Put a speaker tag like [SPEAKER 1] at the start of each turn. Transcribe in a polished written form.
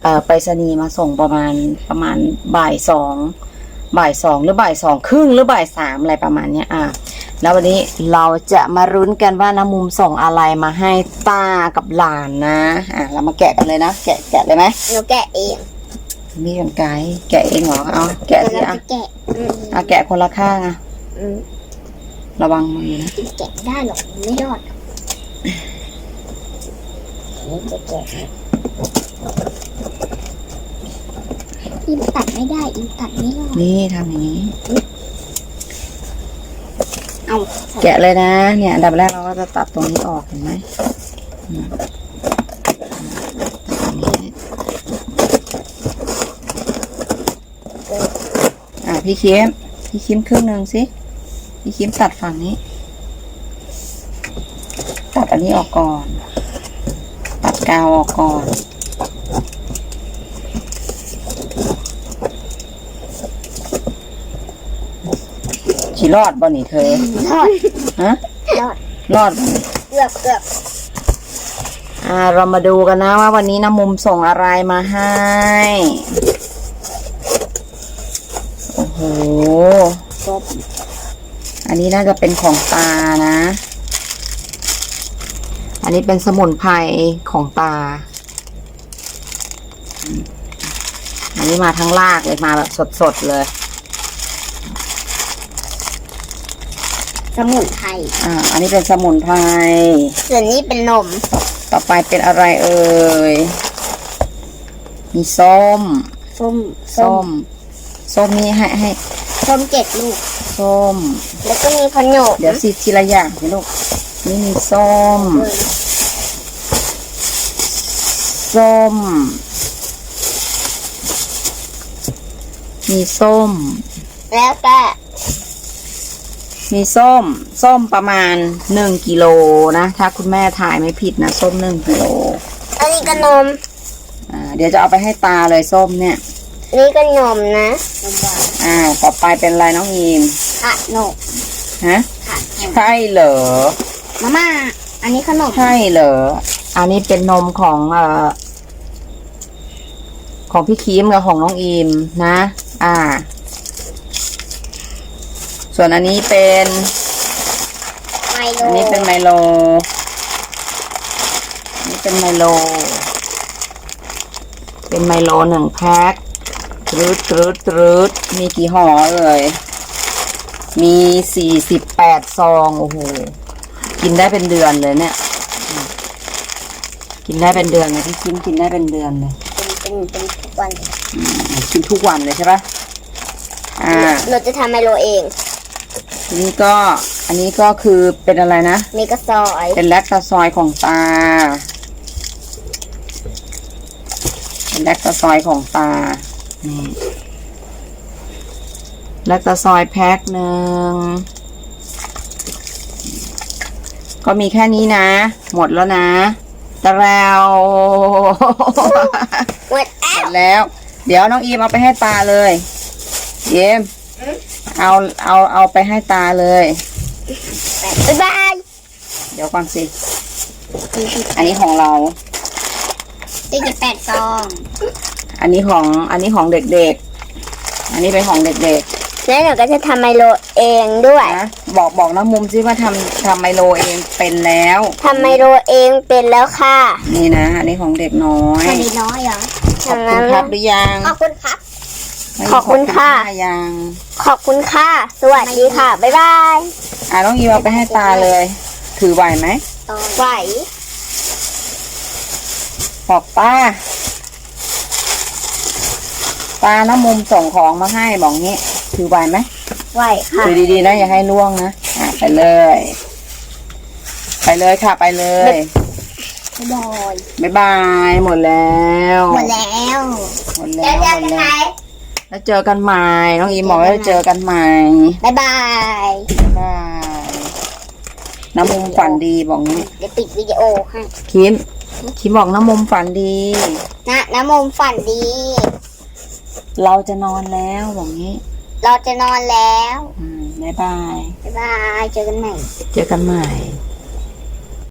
[SPEAKER 1] ไปรษณีย์มาส่งประมาณบ่ายสองหรือบ่ายสองครึ่งหรือบ่ายสามอะไรประมาณเนี้ยแล้ววันนี้เราจะมารุ้นกันว่าน้ำมุมส่งอะไรมาให้ตากับหลานนะเรามาแกะกันเลยนะแกะเลยไหม
[SPEAKER 2] หนูแกะเอง
[SPEAKER 1] มีกันไกด์แกะเองเหรอเอาแกะสิแกะคนละข้างระวังมือนะ
[SPEAKER 2] แกะได้หรอกไม่รอดจะแกะอิมตัดไม่ได้อิมตัดไม่รอด
[SPEAKER 1] นี่ทำอย่างนี้
[SPEAKER 2] เอา
[SPEAKER 1] แกะเลยนะเนี่ยอันดับแรกเราก็จะตัดตรงนี้ออกเห็นไหมพี่คิมครึ่งหนึ่งสิพี่คิมตัดฝั่งนี้ตัดอันนี้ออกก่อนตัดกาวออกก่อนฉีรอดบ่หนิเธอ
[SPEAKER 2] รอด
[SPEAKER 1] ฮะรอด
[SPEAKER 2] เกือบ
[SPEAKER 1] เรามาดูกันนะว่าวันนี้น้ำมุมส่งอะไรมาให้โอ้โหอันนี้น่าจะเป็นของตานะอันนี้เป็นสมุนไพรของตาอันนี้มาทั้งรากเลยมาแบบสดๆเลย
[SPEAKER 2] สมุนไพร
[SPEAKER 1] อันนี้เป็นสมุนไพร
[SPEAKER 2] ส่วนนี้เป็นนม
[SPEAKER 1] ต่อไปเป็นอะไรเอ่ยมีส้มนี่ให้
[SPEAKER 2] ส้ม7 ลูก
[SPEAKER 1] ส้ม
[SPEAKER 2] แล้วก็มีขนม
[SPEAKER 1] เดี๋ยวสิทีละอย่างสิลูกนี่มีส้มมีส้ม
[SPEAKER 2] แล้วก็
[SPEAKER 1] มีส้มประมาณ1 กิโลนะถ้าคุณแม่ถ่ายไม่ผิดนะส้ม1 กิโล
[SPEAKER 2] อันนี้ก็นม
[SPEAKER 1] เดี๋ยวจะเอาไปให้ตาเลยส้มเนี่ย
[SPEAKER 2] นี่ก็นมนะ
[SPEAKER 1] ต่อไปเป็นอะไรน้องอีม
[SPEAKER 2] ขนม
[SPEAKER 1] ฮะใช่เหรอ
[SPEAKER 2] มาม่าอันนี้ขนม
[SPEAKER 1] ใช่เหรออันนี้เป็นนมของพี่คิมกับของน้องอีมนะส่วนอันนี้เป็นไมโลอันนี้เป็นไมโล1 แพ็คตรึดมีกี่ห่อเอ่ยมี48 ซองโอ้โหกินได้เป็นเดือนเลยเนี่ยกินได้เป็นเดือนเลยพี่คิมกินได้เป็นเดือนเลย
[SPEAKER 2] เป็นทุกวัน
[SPEAKER 1] กินทุกวันเลยใช่ปะ
[SPEAKER 2] เราจะทำไมโลเอง
[SPEAKER 1] อันนี้ก็คือเป็นอะไรนะ
[SPEAKER 2] เมกะซอย
[SPEAKER 1] เป็นแลคตาซอยของตาเป็นแลคตาซอยของตานี่แลคตาซอยแพ็คหนึ่งก็มีแค่นี้นะหมดแล้วนะแต่แล้ว
[SPEAKER 2] หมด
[SPEAKER 1] แล้วเดี๋ยวน้องอีมเอาไปให้ตาเลยเยมเอาไปให้ตาเลย
[SPEAKER 2] บ๊ายบาย
[SPEAKER 1] เดี๋ยวก่อนสิอันนี้ของเรา
[SPEAKER 2] 48 ซอง
[SPEAKER 1] อันนี้ของเด็กๆอันนี้เป็นของเด็กๆ
[SPEAKER 2] แล้วหนูก็จะทำไมโลเองด้วย
[SPEAKER 1] นะบอกน้ำมุมซิว่าทำไมโลเองเป็นแล้ว
[SPEAKER 2] ทำไมโลเองเป็นแล้วค่ะ
[SPEAKER 1] นี่นะอันนี้ของเด็กน้อย
[SPEAKER 2] เด็กน้อยเหรอ
[SPEAKER 1] ขอบคุณครับหรือยัง
[SPEAKER 2] ขอบคุณครับขอบคุณค่ะ
[SPEAKER 1] ยัง
[SPEAKER 2] ขอบคุณค่ะสวัสดีค่ะบ๊ายบาย
[SPEAKER 1] น้องอีเอาไปให้ตาเลยถือไหวไหม
[SPEAKER 2] ไหว
[SPEAKER 1] บอกป้าน้ำมุมส่งของมาให้บอกงี้ถือไหวไหม
[SPEAKER 2] ไหวค่ะ
[SPEAKER 1] ถือดีๆนะอย่าให้ล่วงนะไปเลยค่ะไปเลยบ๊ายบายหมดแล้วแล้วเจอกันใหม่น้องอีบอกว่าเจอกันใหม่
[SPEAKER 2] บ๊ายบาย
[SPEAKER 1] น้ำมุมฝันดีบอกงี้
[SPEAKER 2] เดี๋ยวปิดวิดีโอให้
[SPEAKER 1] คิมบอกน้ำมุมฝันดี
[SPEAKER 2] น้ำมุมฝันดี
[SPEAKER 1] เราจะนอนแล้วบอกงี้
[SPEAKER 2] เราจะนอนแล้ว
[SPEAKER 1] บ๊ายบาย
[SPEAKER 2] เจอกันใหม่